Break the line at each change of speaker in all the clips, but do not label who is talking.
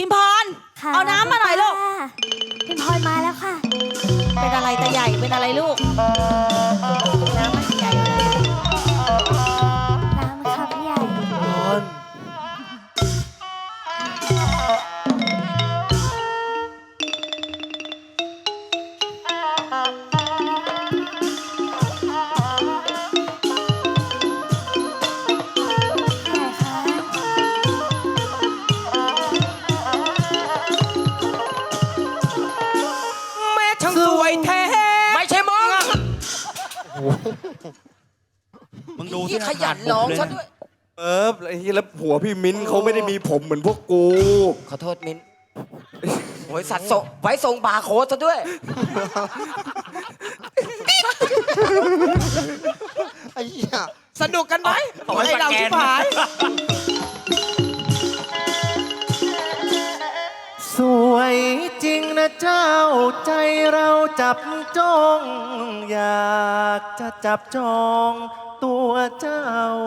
พิมพรเอาน้ำมาหน่อยลูก
พิมพรมาแล้วค่ะ
เป็นอะไรตาใหญ่เป็นอะไรลูกน้ำมันใหญ่
น้ำค่ะพี่ใหญ่
สวยแท้ไม่ใช่มึง
มึงดู
ที่ขยันร้องซะด้วย
ไอ้ที่แล้วผัวพี่มิ้นเขาไม่ได้มีผมเหมือนพวกกู
ขอโทษมิ้นโอ้ยสัตว์ส่งไว้ส่งบาร์โค้ดซะด้วย
ไอ้เหี้ย
สนุกกันไหมไอ้เราชิบหาย
สวยจริงนะเจ้าใจเราจับจ้องอยากจะจับจองตัวเจ้า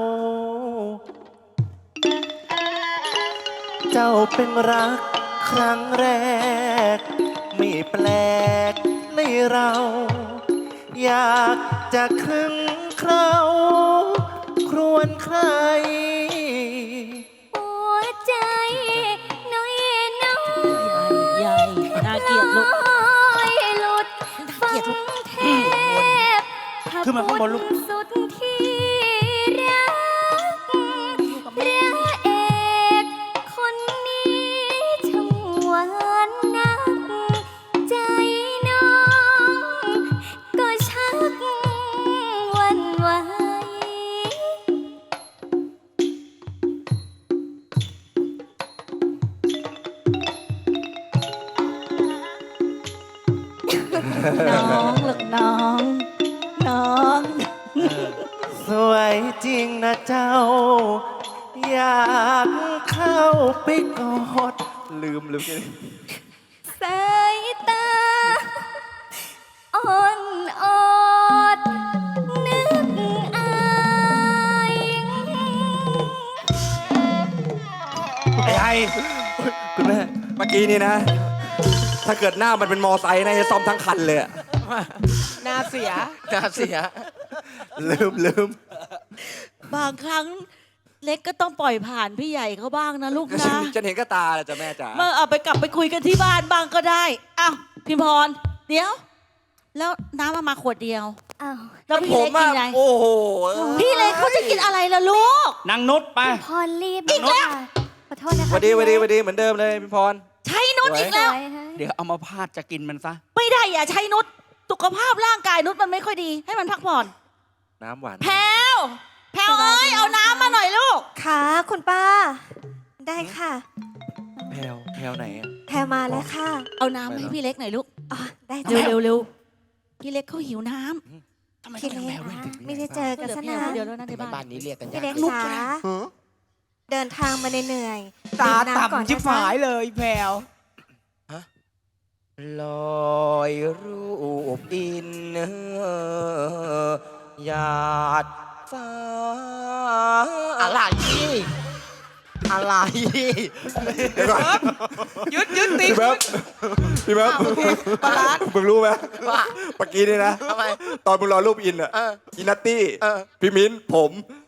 เจ้าเป็นรักครั้งแรกไม่แปลกในเรา อยากจะครึ่งเคราครวนใคร
หัวใจน้อยน้อย
ใหญ่น่าเกลียดลูก
หลุดฟังเทพ
ขึ้นมาข้างบนลูก
สุดที่รักพระเอกคนนี้ช่างหวานนักใจน้องก็ชักหวั่นไหว
น้องลูกน้องน้อง
สวยจริงนะเจ้า อยากเข้าไปกอดลืม
สายตาอ่อนอดนึกอาย
ไอ้คุณแม่เมื่อกี้นี่นะถ้าเกิดหน้ามันเป็นมอไซค์นะจะซ่อมทั้งคันเลย
หน้าเสีย
ลืม
บางครั้งเล็กก็ต้องปล่อยผ่านพี่ใหญ่เขาบ้างนะลูกนะ
จะเห็นก็ตาเลยจ้ะแม่จ๋า
เมื่อเอาไปกลับไปคุยกันที่บ้านบ้างก็ได้อ้าวพิมพรเดี๋ยวแล้วน้ำมาขวดเดียว
อ้าว
แล้วพี่เล็กกินอะไร
โอ้โห
พี่เล็กเขาจะกินอะไรล่ะลูก
นางนุชไป
พรรีบอีกแล้วขอโทษนะคะ
วันดีเหมือนเดิมเลยพี่พร
ใช้นุชอีกแล้ว
เดี๋ยวเอามาพาดจะกินมันซะ
ไม่ได้อย่าใช้นุชสุขภาพร่างกายนุชมันไม่ค่อยดีให้มันพักผ่อน
น้ำหวาน
แพลวเอ้ยเอาน้ำมาหน่อยลูก
ค่ะคุณป้าได้ค่ะ
แพลวไหนอ่ะ
แพลมาแล้วค่ะ
เอาน้ำให้พี่เล็กหน่อยลูก
อ๋อได้จ้ะ
เร็วพี่เล็กเขาหิวน้
ำทำไม
พี่เล็กไม่ได้เจอกันซะนาน
เดี๋ยวแล้วนะใน
บ้านนี้เรียกกัน
พี่เล็กจ๋าเดินทางมาเหนื่อย
ตาต่ำชิบหายเลยแพลวลอยรูปดินหยาดฟ้าอะไร
เดี๋ยวก่อน
ยึดตี
พี่เบ๊บ
ปลา
มึงรู้ไหม
ว่า
เมื่อกี้นี่นะ
ทำไม
ตอนมึงรอรูปอินอ่ะอินัตตี้พี่มิ้นผม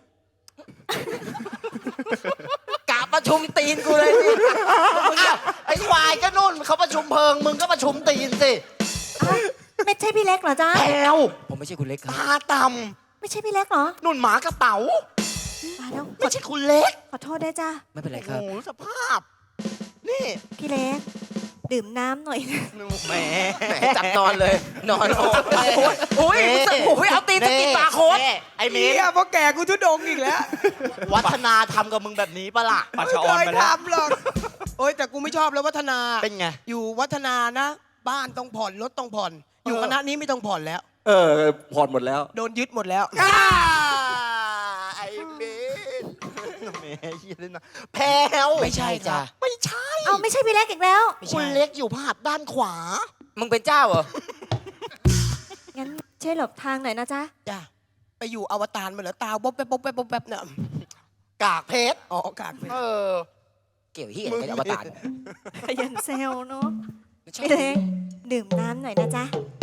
กะประชุมตีนกูเลยสิมึงไอ้ควายก็นู่นเขาประชุมเพลิงมึงก็ประชุมตีนสิ
ไม่ใช่พี่เล็กเหรอจ๊ะ
แพลวผมไม่ใช่คุณเล็กครับตาต่
ำไม่ใช่พี่เล็กเหรอ
นุ่นหมากระเป๋าไม่ใช่คุณเล็ก
ขอโทษได้จ้ะ
ไม่เป็นไรครับโอ้สภาพนี่
พี่เล็กดื่มน้ำหน่อย
แหมจับนอนเลยนอนโอ้ยเอาตีนจะกินปลาโค้ดไอ้เมียเพราะแกกูทุดงอีกแล้ววัฒนาทำกับมึงแบบนี้ปะล่ะ
ปัชออนไปแล้ว
ทำหรอกโอ้ยแต่กูไม่ชอบแล้ววัฒนาเป็นไงอยู่วัฒนานะบ้านต้องผ่อนรถต้องผ่อนอยู่คณะนี้ไม่ต้องผ่อนแล้ว
ผ่อนหมดแล้ว
โดนยึดหมดแล้วไอ้เบนแม่ยี่เลยนะแพลวไม่ใช่จ้ะไม่ใช่
เอาไม่ใช่พี่เล็กอีกแล้ว
คุณเล็กอยู่ภาพด้านขวามึงเป็นเจ้าเหรอ
งั้นช่วยหลบทางหน่อยนะจ๊ะ
จ้ะไปอยู่อวตารมาเหรอตาบ๊อบแป๊บเนี่ยกากเพชรอ๋อกากเพชรเกี่ยวเฮียอะไรกับอวตาร
ขยันเซลเนาะ
ไม่ใช่
พี่เล็กดื่มน้ำหน่อยนะจ๊ะ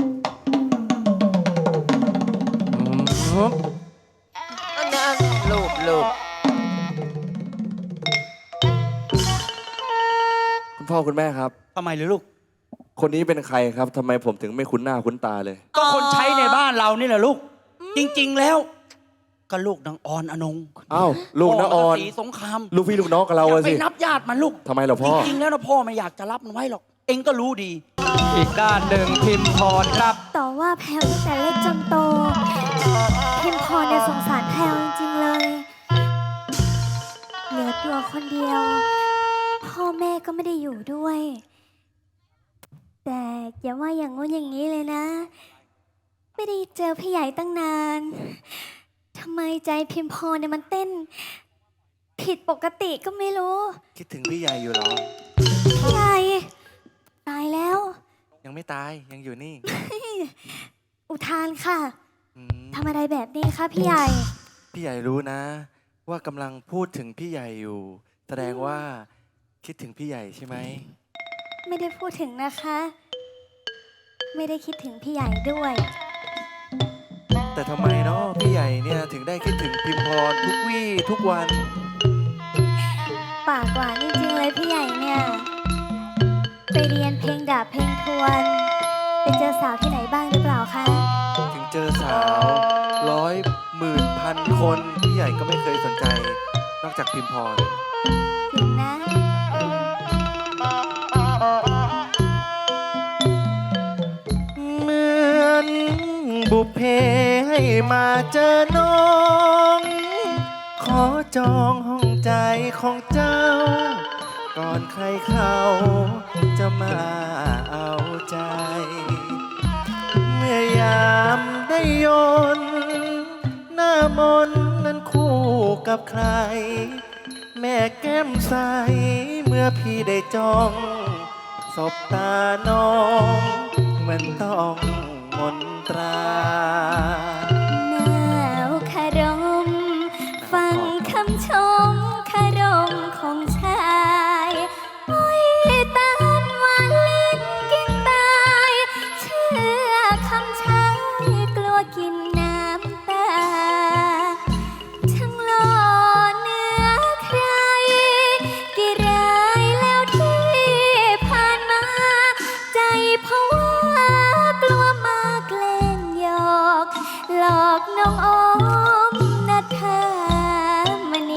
นั่นลูก
คุณพ่อคุณแม่ครับ
ทำไมเลยลูก
คนนี้เป็นใครครับทำไมผมถึงไม่คุ้นหน้าคุ้นตาเลย
ก็คนใช้ในบ้านเรานี่แหละลูก จริง ๆ แล้ว ก็ลูกนางออนอนง
อ้าวลูกน้าออน
พ่ศรีสงคราม
ลูกพี่ลูกน้องกับเรา
อย่า
อะ
ไป
สิ
นับญาติมันลูก
ทำไมเหรอพ่อ
จริง ๆ แล้วนะพ่อไม่อยากจะรับมันไว้หรอก เองก็รู้ดี
อีกด้านหนึ่งพิมพรครับ
ต่อว่าแพลวตั้งแต่เล็กจนโต พิมพรเนี่ยสงสารแพลวจริงๆเลย เหลือตัวคนเดียว พ่อแม่ก็ไม่ได้อยู่ด้วย แต่อย่าว่าอย่างงู้นอย่างนี้เลยนะ ไม่ได้เจอพี่ใหญ่ตั้งนานทำไมใจพิมพรเนี่ยมันเต้น ผิดปกติก็ไม่รู้
คิดถึงพี่ใหญ่อยู่เหรอ
พี่ใหญ่ตายแล้ว
ยังไม่ตายยังอยู่นี่
อุทานค่ะ
อืม
ทำอะไรแบบนี้คะพี่ใหญ่
พี่ใหญ่รู้นะ ว่ากำลังพูดถึงพี่ใหญ่อยู่ แสดงว่าคิดถึงพี่ใหญ่ใช่ไหม
ไม่ได้พูดถึงนะคะ ไม่ได้คิดถึงพี่ใหญ่ด้วย
แต่ทำไมเนาะพี่ใหญ่เนี่ยถึงได้คิดถึงพิมพรทุกวี่ทุกวัน
ปากหวานจริงๆเลยพี่ใหญ่เนี่ย ไปเรียนเพลงดาบเพลงทวน ไปเจอสาวที่ไหนบ้างหรือเปล่าคะ
ถึงเจอสาว100,000,000 คนพี่ใหญ่ก็ไม่เคยสนใจ นอกจากพิมพร
จริงนะ
เหมือนบุพเพให้มาเจอน้อง ขอจองห้องใจของเจ้า ก่อนใครเขาจะมาเอาใจ เมื่อยามได้ยนต์หน้ามนต์นั้นคู่กับใคร แม่แก้มใสเมื่อพี่ได้จ้องสบตาน้องเหมือนต้องมนตรา
หนาวคารม ฟังคำชมคารมของชายโอ้ยตาลหวานลิ้นกินตาย เชื่อคำชายกลัวกินน้ำตา ช่างหล่อเนื้อใคร กี่รายแล้วที่ผ่านมา ใจเพราะว่ากลัวมาแกล้งหยอก หลอกน้องออมนัทธามณี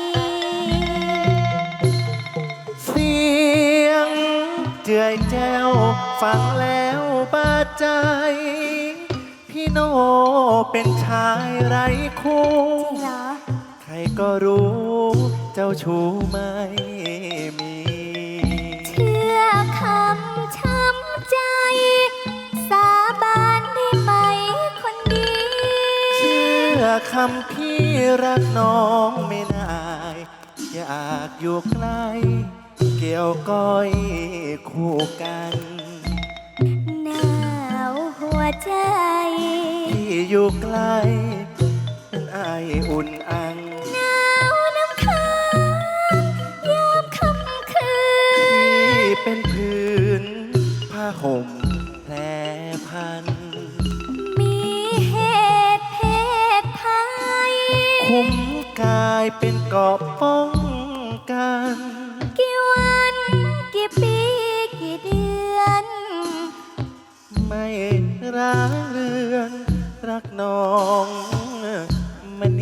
เสียงเจือยแจ้วฟังแล้วบาดใจ พี่โนเป็นชายไร้คู่
จริงเหรอ
ใครก็รู้เจ้าชู้ไม่มี
เชื่อคำช้ำใจ สาบานได้ไหมคนดี
เชื่อคำพี่รักน้องไม่นายอยากอยู่ใกล้เกี่ยวก้อยคู่กัน
หนาวหัวใจ
ที่อยู่ใกล้เป็นไออุ่นอัง
หนาวน้ำค้างยามค่ำคืน
ที่เป็นพื้นผ้าห่มแพรพัน
มีเหตุเพศภัย
คุ้มกายเป็นเกราะป้องกัน
กี่วันกี่ปีกี่เดือน
ไม่ร้างเรือนรักน้องมณี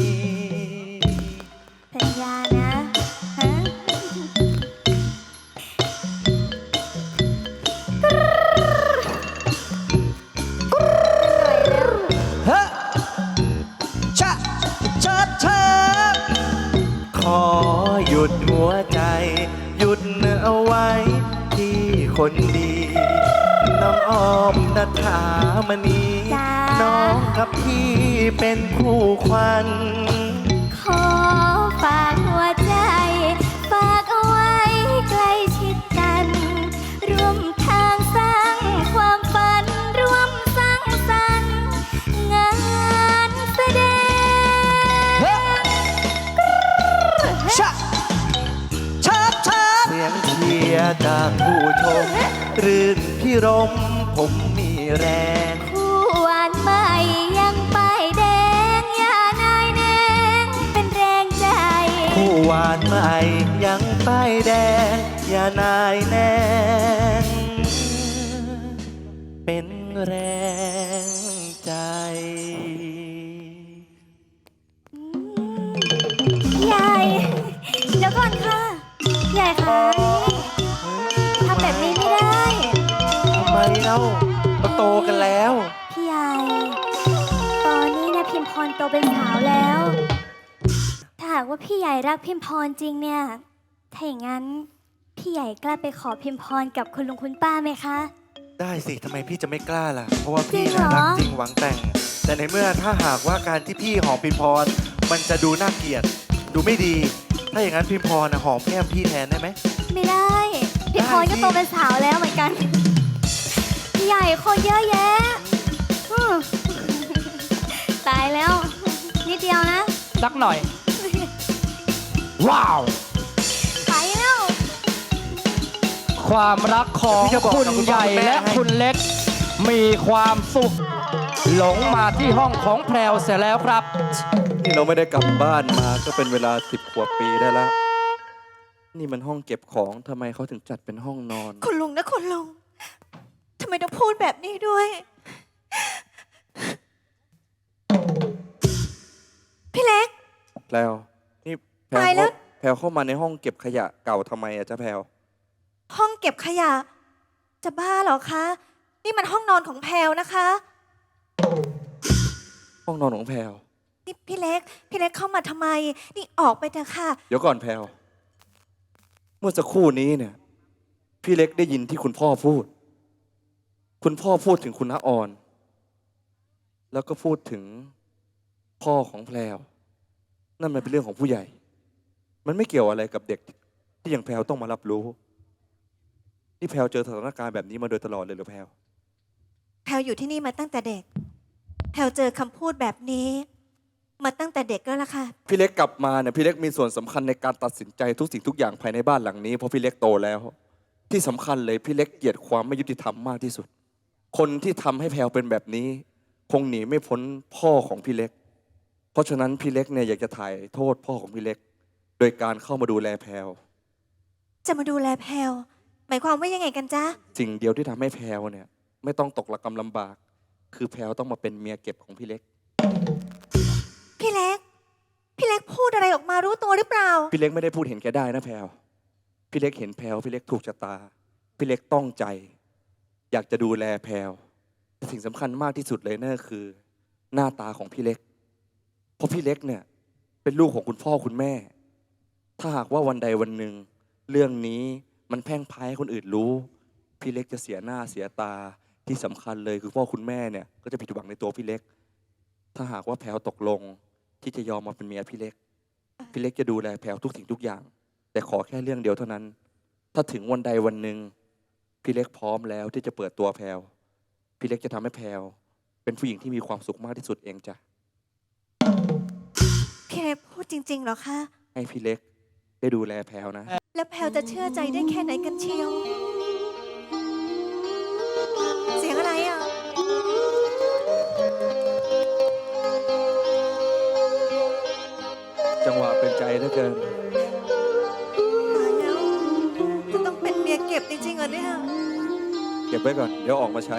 สัญญานะฮะ
ชะเชิดเชิด
ขอหยุดหัวใจ หยุดเอาไว้ที่คนดี น้องออมนัทธามณี
จ้า
น้องกับพี่เป็นคู่ควัน
ขอฝากหัวใจ ฝากเอาไว้ใกล้ชิดกัน ร่วมทางสร้างความฝัน ร่วมสร้างสรรค์งานแสดง
ชะเชิดเชิ
จากผู้ชม รื่นพิรมผมมีแรง
คู่หวานใหม่ยังป้ายแดง อย่านายแนงเป็นแรงใจ
ผู้หวานใหม่ยังป้ายแดง อย่านายแนงเป็นแรงใจ
พี่ใหญ่ เดี๋ยวก่อนค่ะพี่ใหญ่คะทำแบบนี้ไม่ได้
ทำไมเล่าเราโตกันแล้ว
พี่ใหญ่ ตอนนี้เนี่ยพิมพรโตเป็นสาวแล้ว ถ้าหากว่าพี่ใหญ่รักพิมพรจริงเนี่ย ถ้าอย่างนั้นพี่ใหญ่กล้าไปขอพิมพรกับคุณลุงคุณป้าไหมคะ
ได้สิทำไมพี่จะไม่กล้าล่ะ เพราะว่าพี่
จริงเหร
นะ
อ
รักจริงหวังแต่ง แต่ในเมื่อถ้าหากว่าการที่พี่หอมพิมพร มันจะดูน่าเกลียด ดูไม่ดี ถ้าอย่างนั้นพิมพรนะหอมแก้มพี่แทนได้ไหม
ไม่ได้ พิมพรก็โตเป็นสาวแล้วเหมือนกัน พี่ใหญ่คนเยอะแยะอืมตายแล้ว นิดเดียวนะ
สักหน่อย ว้าว
ไปแล้ว
ความรักของ
พี่จะบอก
คุณ
กับคุณ
ใหญ่
พ่อคุณแม่
และ
ให้
คุณเล็ก มีความสุข หลงมาที่ห้องของแพรวเสียแล้วครับ
นี่เราไม่ได้กลับบ้านมาก็เป็นเวลา10 กว่าปีได้แล้ว นี่มันห้องเก็บของทำไมเขาถึงจัดเป็นห้องนอน
คุณลุงนะคุณลุงทำไมต้องพูดแบบนี้ด้วย พี่เล็ก
แพลวนี่แพลว
ตายแล้ว
แพลวเข้ามาในห้องเก็บขยะเก่าทำไมอะจ๊ะแพลว
ห้องเก็บขยะ จะบ้าเหรอคะ นี่มันห้องนอนของแพลวนะคะ
ห้องนอนของแพลว
นี่พี่เล็กเข้ามาทำไม นี่ออกไปเถอะค่ะ
เดี๋ยวก่อนแพลวเมื่อสักครู่นี้เนี่ย พี่เล็กได้ยินที่คุณพ่อพูด คุณพ่อพูดถึงคุณน้าออน แล้วก็พูดถึงพ่อของแพลวนั่นมันเป็นเรื่องของผู้ใหญ่ มันไม่เกี่ยวอะไรกับเด็กที่อย่างแพลวต้องมารับรู้ นี่แพลวเจอสถานการณ์แบบนี้มาโดยตลอดเลยเหรือแพลว
แพลวอยู่ที่นี่มาตั้งแต่เด็ก แพลวเจอคำพูดแบบนี้ มาตั้งแต่เด็กแล้วล่ะค่ะ
พี่เล็กกลับมาเนี่ยพี่เล็กมีส่วนสำคัญในการตัดสินใจทุกสิ่งทุกอย่างภายในบ้านหลังนี้เพราะพี่เล็กโตแล้ว ที่สำคัญเลยพี่เล็กเกลียดความไม่ยุติธรรมมากที่สุด คนที่ทำให้แพลวเป็นแบบนี้ คงหนีไม่พ้นพ่อของพี่เล็ก เพราะฉะนั้นพี่เล็กเนี่ยอยากจะถ่ายโทษพ่อของพี่เล็ก โดยการเข้ามาดูแลแพลว
จะมาดูแลแพลวหมายความว่ายังไงกันจ๊ะ
สิ่งเดียวที่ทำให้แพลวเนี่ยไม่ต้องตกระกำลำบาก คือแพลวต้องมาเป็นเมียเก็บของพี่เล็ก
พี่เล็กพูดอะไรออกมารู้ตัวหรือเปล่า
พี่เล็กไม่ได้พูดเห็นแก่ได้นะแพลวพี่เล็กเห็นแพลวพี่เล็กถูกชะตา พี่เล็กต้องใจ อยากจะดูแลแพลวแต่สิ่งสำคัญมากที่สุดเลยนั่นก็คือ หน้าตาของพี่เล็ก เพราะพี่เล็กเนี่ยเป็นลูกของคุณพ่อคุณแม่ ถ้าหากว่าวันใดวันหนึ่งเรื่องนี้มันแพร่งพรายให้คนอื่นรู้ พี่เล็กจะเสียหน้าเสียตาที่สำคัญเลยคือพ่อคุณแม่เนี่ยก็จะผิดหวังในตัวพี่เล็ก ถ้าหากว่าแพลวตกลงที่จะยอมมาเป็นเมียพี่เล็ก พี่เล็กจะดูแลแพลวทุกสิ่งทุกอย่าง แต่ขอแค่เรื่องเดียวเท่านั้น ถ้าถึงวันใดวันหนึ่งพี่เล็กพร้อมแล้วที่จะเปิดตัวแพลวพี่เล็กจะทำให้แพลวเป็นผู้หญิงที่มีความสุขมากที่สุดเองจ้ะ
พี่เล็กพูดจริงๆเหรอคะ
ให้พี่เล็กได้ดูแลแพลวนะ
แล้วแพลวจะเชื่อใจได้แค่ไหนกันเชียว เสียงอะไรอ่ะ
จังหวะเป็นใจเหลือเกิน
ตายแล้วจะต้องเป็นเมียเก็บจริงๆเหรอเนี่ย
เก็บไว้ก่อนเดี๋ยวออกมาใช้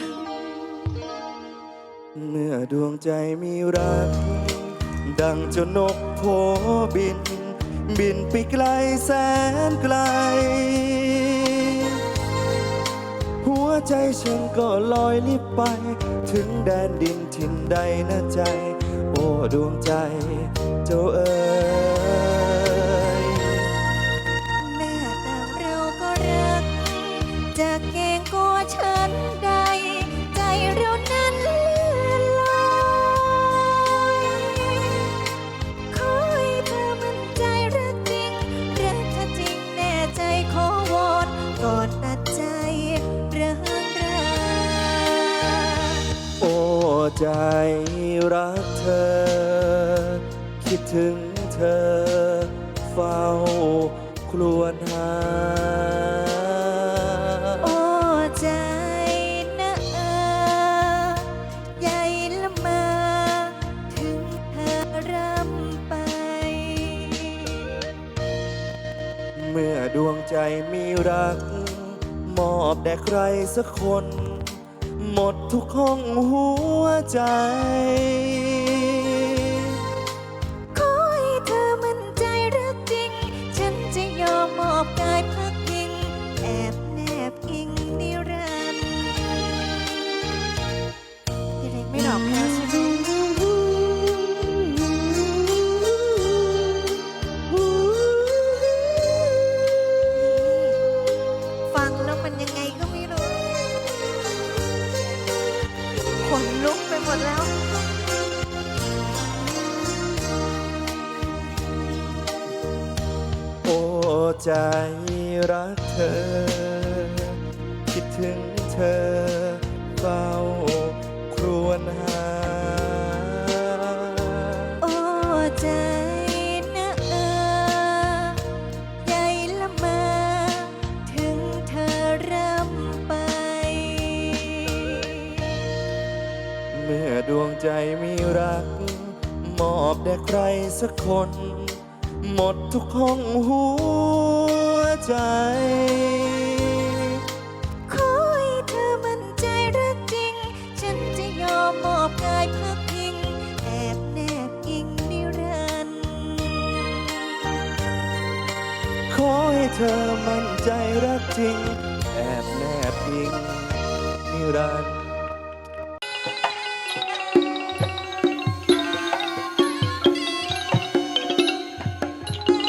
เมื่อดวงใจมีรัก ดังเจ้านกโผบิน บินไปไกลแสนไกล หัวใจฉันก็ลอยลิบไป ถึงแดนดินถิ่นใดนะใจ โอ้ดวงใจเจ้าเอ๋ย
แม่ต่างเราก็รัก จะเก่งกว่าฉันใด ใจเรานั้นเลื่อนลอยขอให้เธอมั่นใจรักจริงรักเธอจริงแน่ใจขอวอนก่อนตัดใจเริ่มรา
โอ้ใจรักเธอ คิดถึงเธอ เฝ้าครวญหา
มีรัก มอบแด่ใครสักคน หมดทุกห้องหัวใจ
ขอให้เธอมั่นใจรักจริง ฉันจะยอมมอบกายพักพิง แอบแนบอิงนิรันดร์พี่เล็กไม่หลอกแพลวใช่ไหมฟังแล้วมันยังไงก็ไม่รู้ ขนลุกไปหมดแล้ว
โอ้ใจรักเธอ คิดถึงเธอเฝ้าครวญหา
โอ้ใจนะใจละเมาถึงเธอร่ำไป
เมื่อดวงใจมีรัก มอบแด่ใครสักคน หมดทุกห้องหัวใจ
ขอให้เธอมั่นใจรักจริง ฉันจะยอมมอบกายพักพิง แอบแนบอิงนิรันดร์
ขอให้เธอมั่นใจรักจริง แอบแนบอิงนิรันดร์